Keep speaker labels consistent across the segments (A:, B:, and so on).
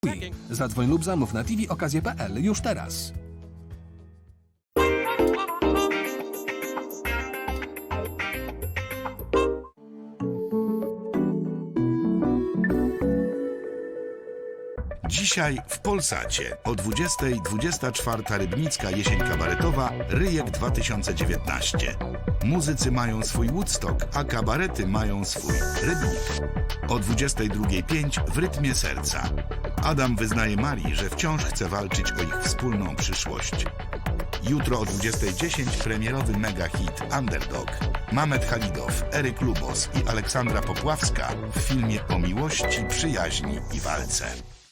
A: Zadzwoń lub zamów na tvokazje.pl już teraz.
B: Dzisiaj w Polsacie o 20:24 Rybnicka jesień kabaretowa Ryjek 2019. Muzycy mają swój Woodstock, a kabarety mają swój Rybnik. O 22:05 w rytmie serca. Adam wyznaje Marii, że wciąż chce walczyć o ich wspólną przyszłość. Jutro o 20:10 premierowy mega hit Underdog. Mamet Halidow, Eryk Lubos i Aleksandra Popławska w filmie o miłości, przyjaźni i walce.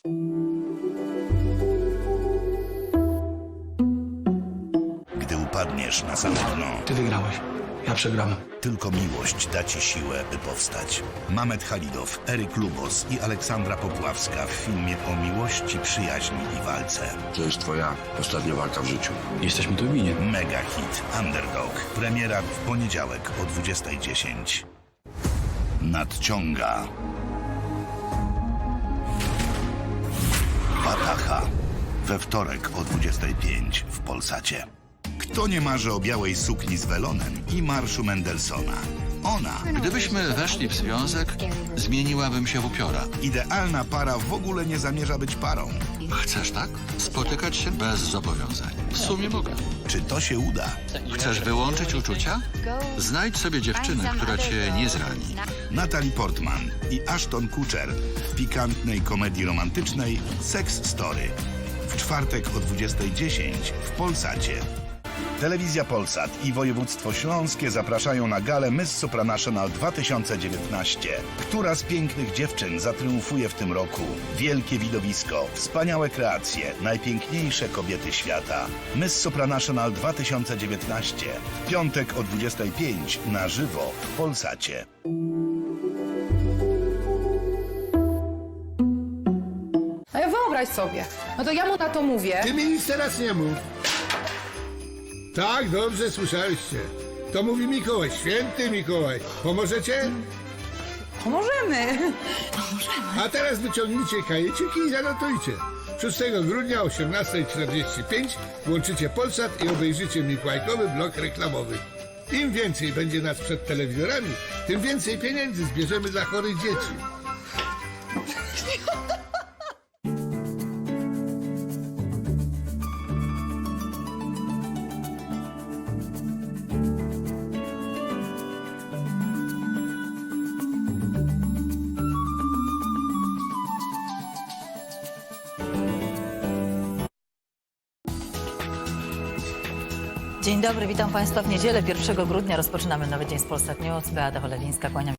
B: Gdy upadniesz na same dno,
C: Ty wygrałeś, ja przegrałem.
B: tylko miłość da ci siłę, by powstać. Mamet Halidow, Eryk Lubos i Aleksandra Popławska w filmie o miłości, przyjaźni i walce.
D: To jest twoja ostatnia walka w życiu.
C: Jesteśmy tu winni.
B: Mega hit Underdog. Premiera w poniedziałek o 20:10. Nadciąga Wataha. We wtorek o 20:05 w Polsacie. Kto nie marzy o białej sukni z welonem i marszu Mendelssohna? Ona.
E: Gdybyśmy weszli w związek, zmieniłabym się w upiora.
B: Idealna para w ogóle nie zamierza być parą.
E: Chcesz tak? Spotykać się bez zobowiązań. W sumie mogę.
B: Czy to się uda?
E: Chcesz wyłączyć uczucia? Znajdź sobie dziewczynę, która cię nie zrani.
B: Natalie Portman i Ashton Kutcher w pikantnej komedii romantycznej Sex Story. W czwartek o 20:10 w Polsacie. Telewizja Polsat i województwo śląskie zapraszają na galę Miss Supranational 2019. Która z pięknych dziewczyn zatriumfuje w tym roku? Wielkie widowisko, wspaniałe kreacje, najpiękniejsze kobiety świata. Miss Supranational 2019. W piątek o 20:05 na żywo w Polsacie.
F: No ja wyobraź sobie. No to ja mu na to mówię.
G: Ty mi nic teraz nie mów. Tak, dobrze słyszałyście. To mówi Mikołaj, święty Mikołaj. Pomożecie?
F: Pomożemy.
G: A teraz wyciągnijcie kajeciki i zanotujcie. 6 grudnia o 18:45 włączycie Polsat i obejrzycie mikołajkowy blok reklamowy. Im więcej będzie nas przed telewizorami, tym więcej pieniędzy zbierzemy dla chorych dzieci.
H: Dzień dobry, witam Państwa w niedzielę 1 grudnia. Rozpoczynamy nowy dzień z Polsat News. Beata Cholewińska, kłaniam się.